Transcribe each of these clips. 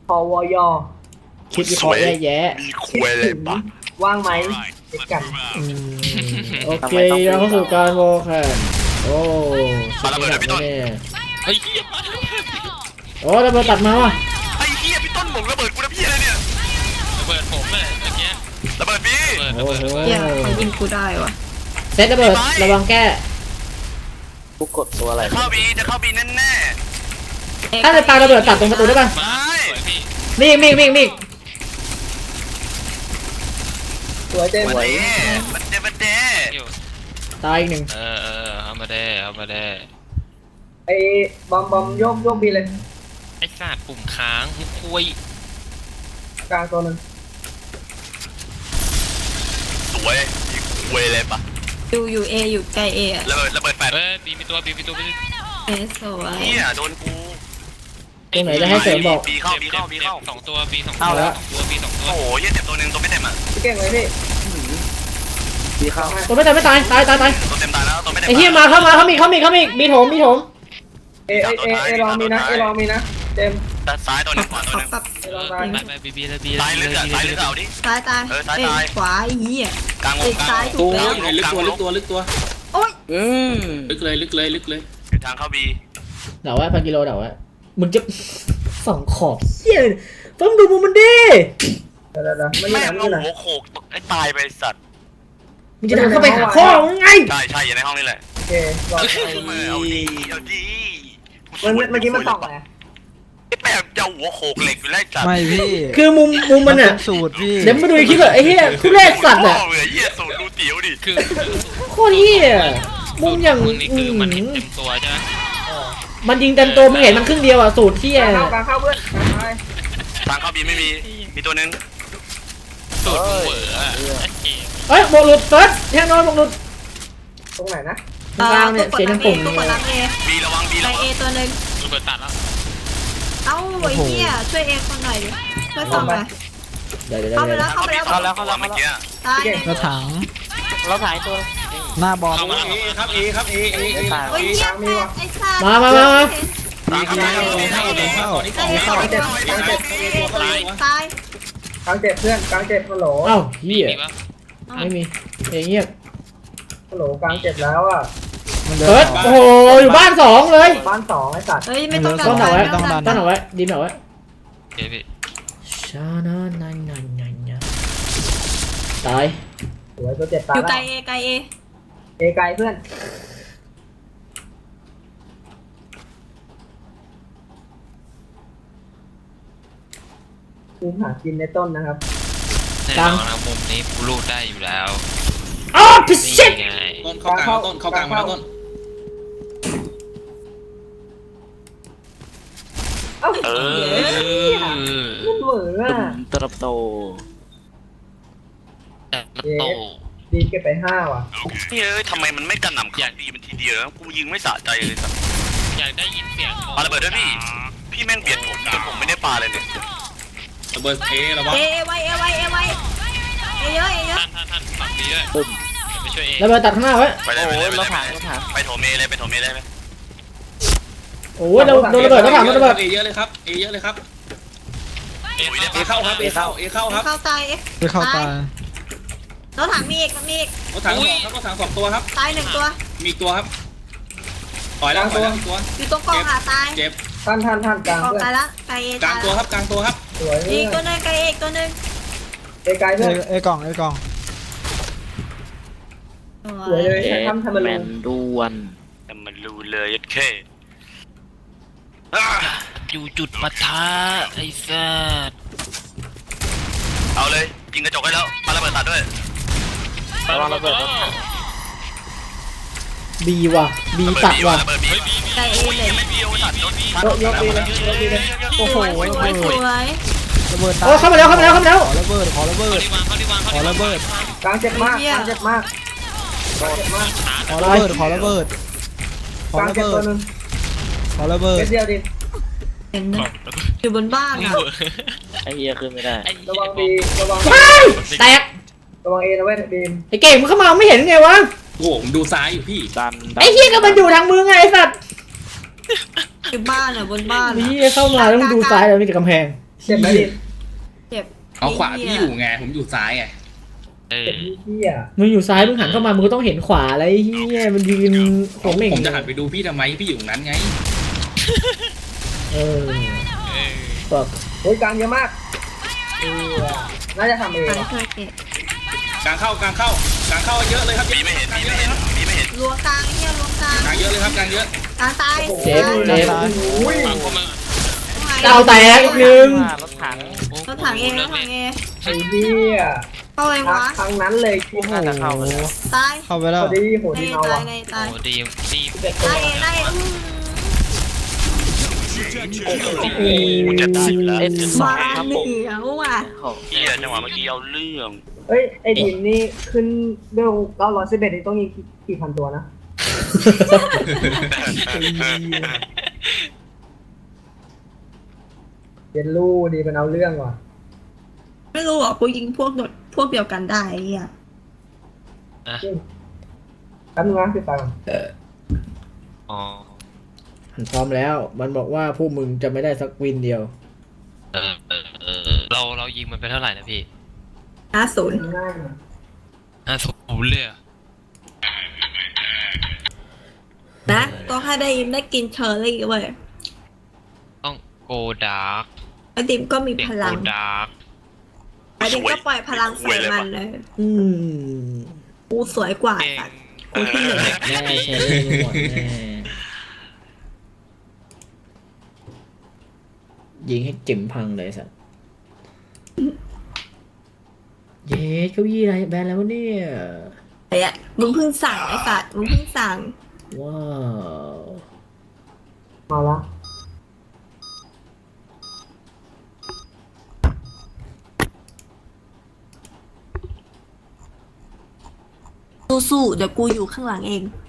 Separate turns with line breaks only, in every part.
พอวอยอ
คิดวิเคราะห์แย่
มีคุยเลยปะ
ว่างไหมเด็กกัน
โอเคเราเข้าสู่การโวลแคนโอ้ชุดนี้หนักแน่
ไอ้เหี้ย
โอ้ระเบิดตัดมาว่ะ
ไอ้เหี้ยพี่ต้นหมงระเบิดกูนะพี่อะไรเนี่ย
ระเบิดผมเลยเมื่อกี้
ระเบิดพี่
โอ้โห
เหี้ยเขายิงกูได้วะ
เซตระเบิดระวังแก้
กูกดตัวอะไร
จะเข้าบีแน่
ถ้าจะปาระเบิดตัดตรงประตูได้ป่ะ
มาสวยพี่
มี
สวยเต็ม
ๆมันเด้
อยู่
ตายอีกหนึ่ง
เอามาได้เอามาได้
ไอ้บอมโยกบีเลย
ไอ้สัตว์ปุ่มค้างมุกคุย
กลางตัวนึง
สวยมีคุยเลยปะ
อยู่เออยู่ไกลเออะ
ระเบิดแฟด
บีมีตัว
เอสวย
เหี้ยโดนกู
ตรงไหนจะให้เสริมบอก
บีเข้า
สองตัวบีสองตัวบีสองตัว
โอ้โหเหี้ยเจ็บตัวหนึ่งตัวไม่เต็มอ่ะ
พี่เก่งเลยพี่
ดีเข้า
ตัวไม่ตายตาย
ตัวเต็มตายแล้วตัวไม่เต็ม
ไอ้เหี้ยมาเข้ามีมีโถม
เอลองมีนะเต็ม
ซ้ายตัวหนึ่งขวาตัวหนึ่ง
ปับ
เอลองตาย
ไปบีเลยบี
ซ้ายลึกเอาดิ
ซ้ายตาย
ซ้ายตาย
ขวาไอ้เหี้ย
กลางว
เอ้
ง
ย
กลาง
ซ้ายถูกแล้ว
ลึกตัว
โอ๊ย
ลึกเลย
อยู่ทางเข้าบี
เดาไว้พันกิโลเดาไว้มึงจะส่องขอบเหี้ยต้องดูมุมมันดิ
เดี๋ยวมัน
แม่
ไม่
ง
ไหน
เอาหัวโขกไอ้ตายไปสัตว์
มึงจะดันเข้าไปหาพ่อมึงไง
ใช่อยู่ในห้องนี่แหละ
โอเครอ
เอาดี
เมื่อกี้มันส่องไง
ไอ้แม่งจะหัวโขกเหล็กอยู่ไล่จัด
ไม่พี่
คือมุมมันอ่ะ
สูตรพี่
เดี๋ยวมาดูอีกคลิปแบบไอ้เหี้ยทุเรศสัตว์อ่ะ
เหมือนเหี้ยสูตรดูเตี๋ยวดิ
คือ
โคตรเหี้ยมุมอย่าง
มึงนี่คือมันเห็นเต็มตัวใช่ไหม
มันยิงเต็มตัวมึงเห็นมันครึ่งเดียวอ่ะสูตรเหี้ย
กลางเข้าเพื่อน
ทางเข้าบีไม่มีมีตัวนึง
สูตรมึงเหวอเกม
เอ้ยบวกหลุดเฟิร์สแน่นอนบวกหลุด
ตรงไหนนะ
ตรงกลางเนี่ยเสียงดังปุ่ม
ตัวกดรับเอ
บีระวังบี
ไกล
ระวั
เองตัวหนึ่ง
ระเบิดตัดแล้ว
เอ้าไอ้เหี้ยช่วยเอคนหน่อยดิช่วยส่องไป
เดี๋ยว
เข้าไปแล้วเข้าไปแล้ว
เข้าแล้วเมื่อกี้
ตาย
กระถัง
เราถ่ายตัว
หน้าบอล
เอครับเอ
โอ้ยเหี้ยแม่ไอ้สัตว์
มา
ทางเข้า
ตาย
กลางเจ็บเพื่อนกลางเจ็บฮัลโหล
เอ้าเหี้ย
มีปะ
ไม่มีเงียบ
ฮัลโหลกลางเจ็บแล้วอ่ะ
มันเดิน
เฟิร์สโอ้โหอยู่บ้านสองเลย
บ้านสองไอ้สัตว์
เฮ้ยไม่ต้อง
ต้นเอาไว้
ไม่ต้องดัน
ต้นเอาไว้ดินเอาไว้
เดี๋ยวพี่
ชานานันตาย
สวยตัวเจ็บตา
อยู่ไกล
แล้ว
เอไกลเอ
เอไกลเพื่อนกูหากินในต้นนะครับ
แน่นอนนะมุมนี้กูรูดได้อยู่แล้ว
อ้าวพิชิต
นี่ไง
ต้นเข้ากลางเข้ากลางมาต้น
เอ้า
เออ
มันเหมือนอ่ะ
ตรับโต
แต่มันโต
ดีเก็บไป5ว่ะ
เฮ้ยทำไมมันไม่กระหน่ำอย่างดีมันทีเดียวแล้วกูยิงไม่สะใจเลยสัตว์
อยากได้ยินเสียง
ปาระเบิดด้วยพี่แม่งเบียดผมจนผมไม่ได้ปาเลยเนี่ย
ระเบิดเอระวัง
เอไว้เอเยอะ
ท่านฝั่งนี้ด้วยไปช่วยเอง
ระเบิดตัดข้างหน้าไว้
ไปเลย
โอ้
ไปเลย
ย
ไป
เรา
เลย
ถ่ายเราถ่าย
ไปโถเมเลยไปโถเมเลยไหม
โอ้ยโดนระเบิดแล้วผ่านระเบิด
เอเยอะเลยครับเอเยอะเลยครับ
เอ๊ะ
เอเข้าครับเอเข้าครับ
เข้าตาย
ไปเข้าตา
รถถังมีอีก
รถถังครับรถถัง2ตัวครับ
ตายหนึ่งตัว
มีตัวครับถอยแล้วตัว
อยู่ตรงกองตาย
เจ็บ
ท่านกลาง
กอง
เพื่อน
ตายละไกลเอก
ลางตัวครับกลางตัวครับ
สวย
อีกตัวนึงไกลเอกตัวนึง
เอไกลเพื่อน
เอกล่อง
สวยเลยทำมัน
แม
ลง
นดวน
แต่มันรู้เลยยัดเค
อยู่จุดปะทะไอ้สัส
เอาเลยยิงกระจกให้แล้วปาระเบิดตัดด้วย
ระวังระเบิดรถถัง
บีว่ะบีตัดว่ะ
ระเบิดบี
ไกลเอเลย
ไม่บีโอตัดรถ
ยกดีเลย
โอ้โหสวย
ระเบิดตา
โอ้เข้ามาแล้ว
ขอระเบิด
เขาที่วาง
ขอระเบิด
กลางเจ็บมากกลางเจ็บมาก
ขอระเบิด
กลางเจ็บตัวนึง
ขอระเบิด
เดียวดิ
เห็นนะอยู่บนบ้านอ่ะ
ไอ้เหี้ยขึ้นไม่ได้
ระวังบีระวัง
แตก
ระวังเอนะเว้ยบีม
ไอ้เก่งมึงเข้ามาไม่เห็นไงวะ
โอ้โหผมดูซ้ายอยู่พี่
ดัน
ไอ้เหี้ยก็มันอยู่ทางมึงไงไอ้สัตว์
อยู่บ้านอ่ะบนบ้าน
นี่เข้ามาแล้วมึงดูซ้ายแล้วมีแต่กำแพง
เจ็บไหมดิ
เจ็บ
เอาขวาพี่อยู่ไงผมอยู่ซ้ายไง
เออ
เจ็บเหี้ย
มึงอยู่ซ้ายมึงหันเข้ามามึงก็ต้องเห็นขวาอะไรเฮียมันยืนโขงเหม่ง
ผมจะหันไปดูพี่ทำไมพี่อยู่ตรงนั้นไง
เออ
เออ
บอก
โอ้ยกลางเยอะมากน่าจะทำเอง
ไปช่วยเก็บ
กลางเข้ากลางเข้เยอะเลยครับ
บีไม่เห็น
กลาง
บี
เย
ไม่
อะเลยครับ
เห็นบีไม่เห็น
รัวกลางเฮียรัวกลาง
กลางเยอะเลยครับกลางเยอะ
กลางตาย
เจ็บเจ็บ
อุ้ย
ฟังพวกมึง
ดาวแตกอีกหนึ่ง
รถถัง
รถถังเองรถถังเอง
ไอ้เหี้ย
เข้าเลยวะ
ทางนั้นเลย
โอ้โห
น่าจะเข้าไปแล้ว
ตาย
เข้าไปแล้ว
พอดีโห
ใน
ดีเอา
ตา
ว่ะ
ยในตาย
โอ้ดีดี
ตายเองได้เอง
โอ้โหจะได้อยู่แล้ว
S2
มา
ครับ
เห
ผม
นียวว่ะ
เฮียจังหวะเมื่อกี้เอาเรื่อง
เฮ้ยไอ้ดินนี่ขึ้นเบล911นี่ต้องยิงกี่พันตัวนะเยนลู่ดีเป็นเอาเรื่องว่ะ
ไม่รู้อ่ะกูยิงพวกเดียวกันได้ไอ้เฮีย
แป๊บนึงนะพี่ฟัง
อ๋อ
พร้อมแล้วมันบอกว่าพวกมึงจะไม่ได้สักวินเดียว
เรายิงมันไปเท่าไหร่นะพี่
50
ง่ายนะ
50เลยอะ
นะต้องให้ได้ยิมได้กินเชอร์รี่เว้ย
ต้องโกดาร์ก
ไอดิมก็มี
เด็ก
พ
โก
ลัง
ดาร์ก
ไอดิมก็ปล่อยพลังใส่มันเลย
อืม
กูสวยกว่า
เก่ง
สัตว์กูที่หนึ่ง
แน่ใช้ได้หมดแน่ยิงให้จิ๋มพังเลยสัตว์เย้เก้าอี้อะไรแบนแล้ววะเนี่ย
ไอ้อะมึงเพิ่งสั่งไอ้สัตว์มึงเพิ่งสั่ง
ว้าว
มาละ
สู้ๆเดี๋ยวกูอยู่ข้างหลังเอง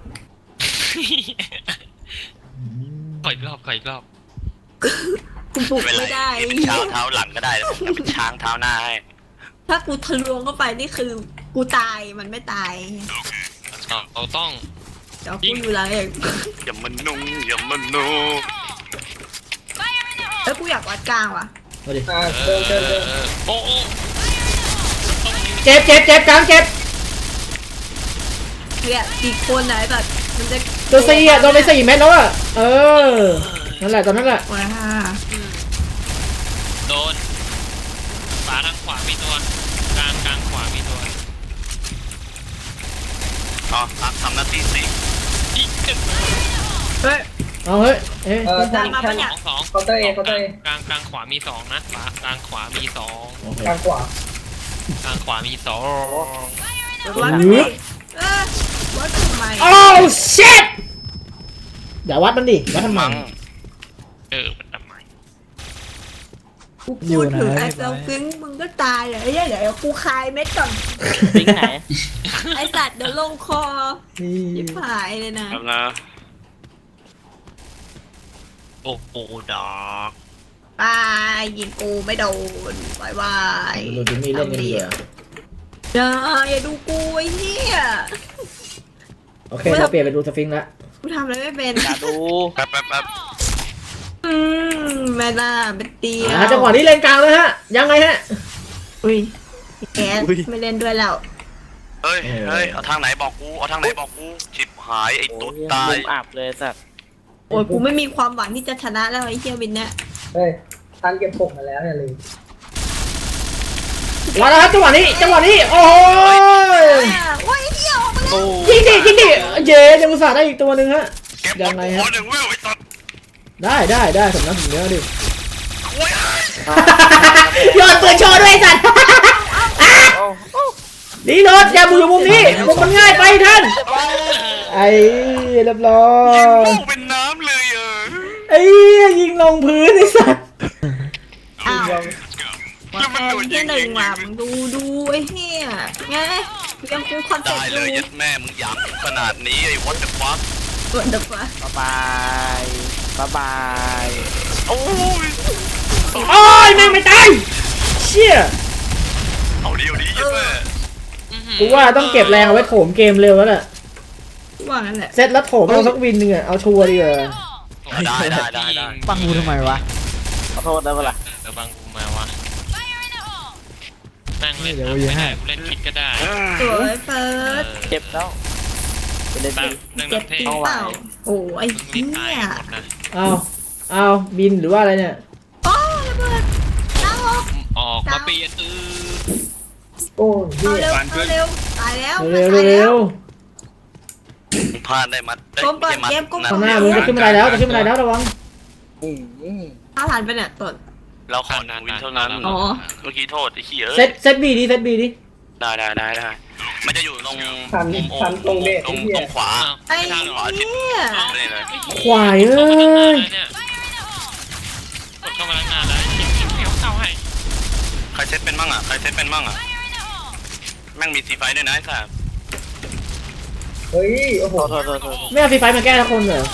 ขออีกรอบขออีกรอบ
กูปลุก
เป็นไร
ไม่ได้
เป็นเช้าเท้าหลังก็ได้แล้วผมเป็นช้างเท้าหน้าให้
ถ้ากูทะลวงเข้าไปนี่คือกูตายมันไม่ตาย
เราต้อง
เดี๋ยวกูอยู่หลังเอง
อย่ามันนุ่งอย่ามันนุ่ง
แล้วกูอยากวัดกลางว่ะ
เอาดิ
เดินเดินเดิน
โอ้โอ้ต้องยิง
เจ็บกลางเจ็บ
เนี่ยกี่คนไหนแบบมันจะ
ตัว4อ่ะโดนไป4 เม็ดแล้วอ่ะเออนั่นแหละตอนนั้นแหละ
ว้า
โดนขวาทางขวามีตัวกลางขวามีตัว
อ๋อทำหน้าที่สิ
อีกหนึ่ง
เฮ้ย
เอาเฮ้ยเอ๊ะ
แทง
มา
แท
ปะ
ง
เนี่ย
สอง
เคาน์เตอร์เองเคาน์เตอร์เอง
กลางขวามีสองนะกลางขวามีสอง
โอเค
กลางขวาก
ลางขวามีสอง
วัดไปวัดทำไม
โอ้ชิตอย่าวัดมันดิวัดทำไม
มั้ง
มันทำไม
กูพูดถึงไอ้เซลฟิงมึงก็ตายเลยเดี๋ยวกูคายเม็ดก่อน
ปิ้งไหน
ไอสัตว์เดี๋ยวลงคอยิบหายเลยนะ
แล้วนะ
โอ้โหดอก
ตายยิงกูไม่โดนบายบาย
ดูจิมมี่เล่นกันดีกว่า
อย่าดูกูไอ้เหี้ย
โอเคเราเปลี่ยนไปดูสฟิงค์ละ
กูทำอะไรไม่เป็น
อย่าดู
แป๊บ
แม่น่าเป็นเตีย
จังหวะนี้เลนกลางเลยฮะยังไงฮะ
อุ้ยแกไม่เล่นด้วยแล้ว
เฮ้ยเอาทางไหนบอกกูเอาทางไหนบอกกูชิบหายไอ้
โอ้
ตุ๊ด
ย
ตาย
มุมอับเลยสัตว์
โอ้ยกูไม่มีความหวังที่จะชนะแล้วไอ้เหี้ยวินเนี่ย
เฮ้ยทันเก็บผมมาแล้วอย่าลืม
มาแล้วครับจังหวะนี้โอ้ย
โอ้ยเหี้ยออกมาแล้ว
โอ้
ยิงดิเย้ยังอุตส่าห์ได้อีกตัวหนึ่งฮะ
เก็บบอ
ยั
ล
งไง
กู
ฮะ
คนหนึ่งเว้ยไอ้สัตว์
ได้สำนักถึงเนื้อดิ
โอ้ย
โยนปืนโชว์ด้วยสัตว์
โอ้
ดีโนดอย่ามือมุมนี้มุมมันง่ายไปท่านไอ้เรียบร้อ
ยิง
ย
โม่เป็นน้ำเลย
ไอ้ยิงลงพื้นไอ้สัตว์
อ้าวว่าแทนที่หนึ่งว่ะมึงดูไอ้เหี้ยไงยังกูคอนเซ็ป
ได้
ต์อ
เลย
ยู่
ยัดแม่มึงหยามขนาดนี้ไอ้ what the fuck
ส่วนเดี๋ยวว่า
บายบาย
โอ้ย
โอ้ยแม่งไม่ตายเชี่ย
เอาเดียวนี้ยัดแม่
กูว่าต้องเก็บแรงเอาไว้โถมเกมเร็วแล้วแหละ
ว่างั้นแหละ
เซตแล้วโถมเอาสักวินหนึ่งอะเอาชัวร์ดีกว่า
ได้
ฟังกูทำไมวะ
ขอโทษได้ปะล่ะ
เดี๋ยวบังกูไหมาวะนั่งเล่นเล่นคิดก็ได้
สวยเฟิร์ส
เจ็บแล้วไปเล่น
แบบ
ดี
เรื่อง
เจ็บ
น้ำเท่
จริงเปล่าโอ้ไอ้
มึง
เหี้
นี่ตาย
ย
หมดนะ
เอาบินหรือว่าอะไรเนี่ย
โอ้ระเบิดน้ำออก
ออกมาเปลี่ยน
โอ้ย
เอาเร็วเอาเร็วตายแล้ว
เร็ว
ตาย
เร็ว
พลาดได้มัดได้
ก้มเปิด
ได้มัด
เกมก้ม
นะ
ข้างหน้ามึงจะขึ้นบันไดแล้วจะขึ้นบันไดแล้วระวัง
เอาผ่านไปเนี่ยตด
เราขอหนึ่งวินเท่านั้น
อ๋อ
เมื่อกี้โทษไอ้ขี้เอ้ย
เซตบีดิเซตบีดิ
ได้มันจะอยู่ตรง
ทัน
ตรง
ตรงเด็ก
ตรง
เหี้ย
ขวา
ไอ้
ทางขวาทิศ
เหี้ย
นี่เลย
ควายเอ้ย
กดเข้ามาตั้งนานแล้วเข้าให้
ใครเซตเป็นมั่งอ่ะแม่งมีซีไฟด้วยนะไอ้สัส
เฮ้ยโอ้โห
โทษ
ไม่เอาฟรีไฟมาแก้ทุกคนเหรอ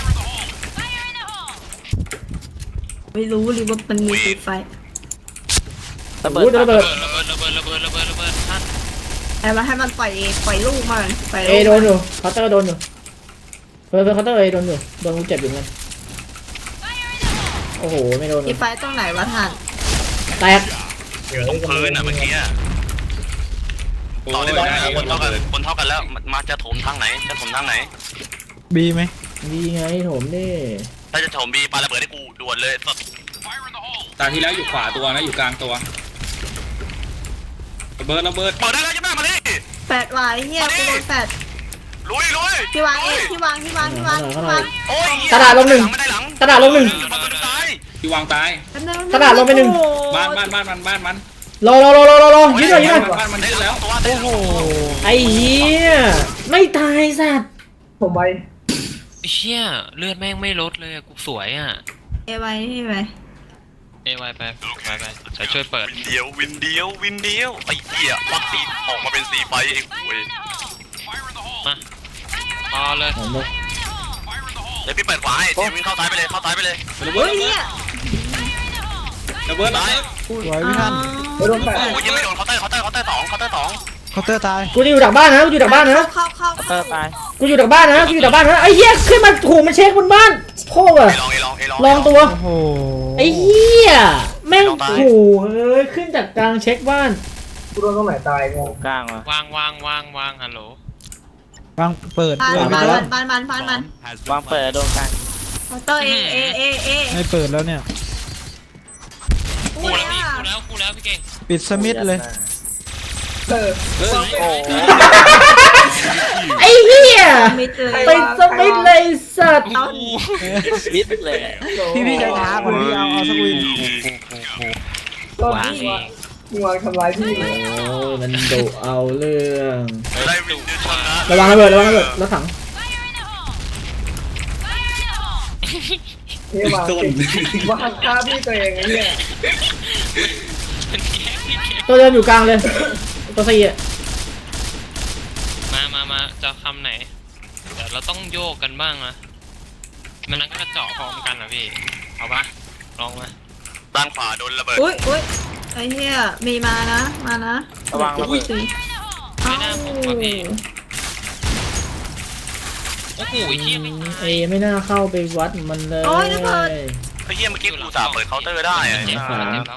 ไม่รู้เลยว่ามันมีสีไฟ
ระเบิ
อู้จะ
ด
ระเบิด
ระเบิดท่าน
แต่มาให้มันปล่อยลูกมาปล่อย
เอ
ลูก
โดนอยู่เคาน์เตอร์โดนอยู่เฟิร์สเคาน์เตอร์เอโดนอยู่โดนกูเจ็บอยู่เหมือนกันโอ้โหไม่โดน
สีไฟตรงไหนวะท่าน
แตก
ตรงพื้นอ่ะเมื่อกี้อ่ะ
โอ้
ต่อยได้ไหม
ได้
คนเท่ากันแล้วมาจะถมทางไหน
บีไหม
ดีไงโถมดิ
ถ้าจะถมบีปาระเบิดให้กูด่วนเลยสด
ตาที่แล้วอยู่ขวาตัวนะอยู่กลางตัวระเบิด
เปิดได้แล้วใช่ไหมมาดิ
แปดวายเฮียกูโดนแปด
ลุย
ที่วางเองที่วาง
โอ้ย
กระดาษลงหนึ่ง
ไม่ได้หลัง
กระดาษลงหนึ่ง
ประตูซ้าย
ที่วางตาย
กระดาษลงไปหนึ่ง
บ้าน
รอยืดหน่อย
บ้านมัน
ได้
ขึ้น
แล้
แล้ว ว
ตัว
โอ้โห
ไอ้เหี้ยไม่ตายสัตว์
ผมไป
เชี่ยเลือดแม่งไม่ลดเลยกูสวยอ่ะ
เอไว้นี่ไป
เอไวไปใส่ช่วยเปิด
วินเดียวไอ้เหี้ยวัคซีนออกมาเป็นสีไฟไอ้คุย
มาพอเลย
ผมบอก
เดี๋ยวพี่เปิดขวาให้เดี๋ยววิ่งเข้าซ้ายไปเลย
ระเบิ
เฮ้
ด
ยเฮีย
ระเบิด
สวยพี่ท่าน
ไม่โดนแปด
โอ้ยยังไม่โดนเคาน์เตอร์สอง
เคาน์เตอร์ตาย
กูจะอยู่ดักบ้านนะกูอยู่ดักบ้านนะ
เข้า
เตอร์ตาย
กูอยู่ดักบ้านนะไอ้เหี้ยขึ้นมาถูกมันเช็คบนบ้านโคตรอะลองตัว
โอ้โห
ไอ้เหี้ยแม่งถูเฮ้ยขึ้นจากกลางเช็คบ้าน
กูโดนตรงไหนตายงง
กลางวะ
วางฮัลโหล
วางเปิด
บ้าน
เปิดไป
บ้าน
แล้ว
บ้าน
วางเปิดโดนกลาง
เตอร์เอ
ไม่เปิดแล้วเนี่ย
กูแล้วพี่เก่ง
ปิดสมิธเลย
เออ
เฮ้ย
โอ้โห
ไอ้เหี้ย
มิดเลย
ไปสมิธเลยสัตว์
วิดเลย
พี่จะท้าคนพี่เอาสักวิน
ก็
วาง
มึงวางทำร้ายพี่
โอ้ยมันดุเอาเรื่อง
ได้วินเดียวชนะ
ระวังระเบิดรถถัง
นี่วางวางฆ่าพี่ตัวเองไอ้เนี่ย
ตัวเดินอยู่กลางเลยตัวสี่อะ
มาจะคำไหนเดี๋ยวเราต้องโยกกันบ้างนะมันนั่งก็เจาะพร้อมกันนะพี่เอาปะลองมา
ด้านขวาโดนระเบิด
อุ้ยไอ้เฮียมีมานะ
ระวังระเบิด
ไม่น่าผมว่ะพี่โอ้โหเฮียไม่
เอไม่น่าเข้าไปวัดมันเลย
โอ้ยระเบิด
ไอ้เหี้ยเมื่อกี้กูสาเปิดเคาน์เตอร์ได้อะ
เจ็บแล้ว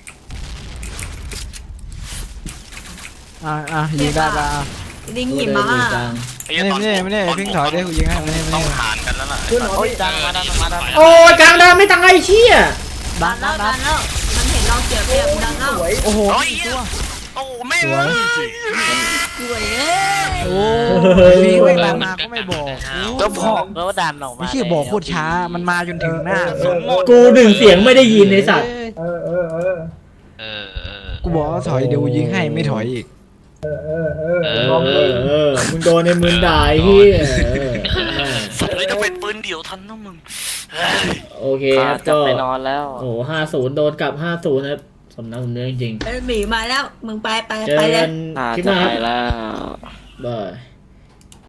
ยิงได้ปะ
ลิงหิมะ
ไอ้เหี้ยตอน
ไม่ได้พิงถอยได้กูยิงให้ไม่ได้
ต้องหารกันแล้วล่ะ
ขึ้นเหรอ
โอ้ยดันมา
โอ้ยกลางดานไม่ตายเชี่ย
ดันแล้วมันเห็นเราเสียเปรียบดันแล้ว
สวย
โอ้โห
โอ้ยโอ้แม่ง
สวย
โอ้พี่เวลามาก็ไม่บอก
ก็บอกแล้วว่าดันออกมา
ไม่ใช่บอกโคตรช้ามันมาจนถึงหน้า
กูหนึ่งเสียงไม่ได้ยินไอ้สัตว์
เออ
กูบอกว่าถอยเดี๋ยวยิงให้ไม่ถอยอีก
มึงโดนในมือด่าเฮีย
เลยจะเป็นปืนเดี่ยวทันนะมึง
โอเคครับ
จะ
ก็
ไปนอนแล้ว
โอ้50โดนกลับ50ครับสมน้ำสมเนื้อจริง
หมีมาแล้วมึงไป
เจอ
เล
กั
ย
นคลิปห
จะ
น้าค
ไป
รับ
แล้ว
บาย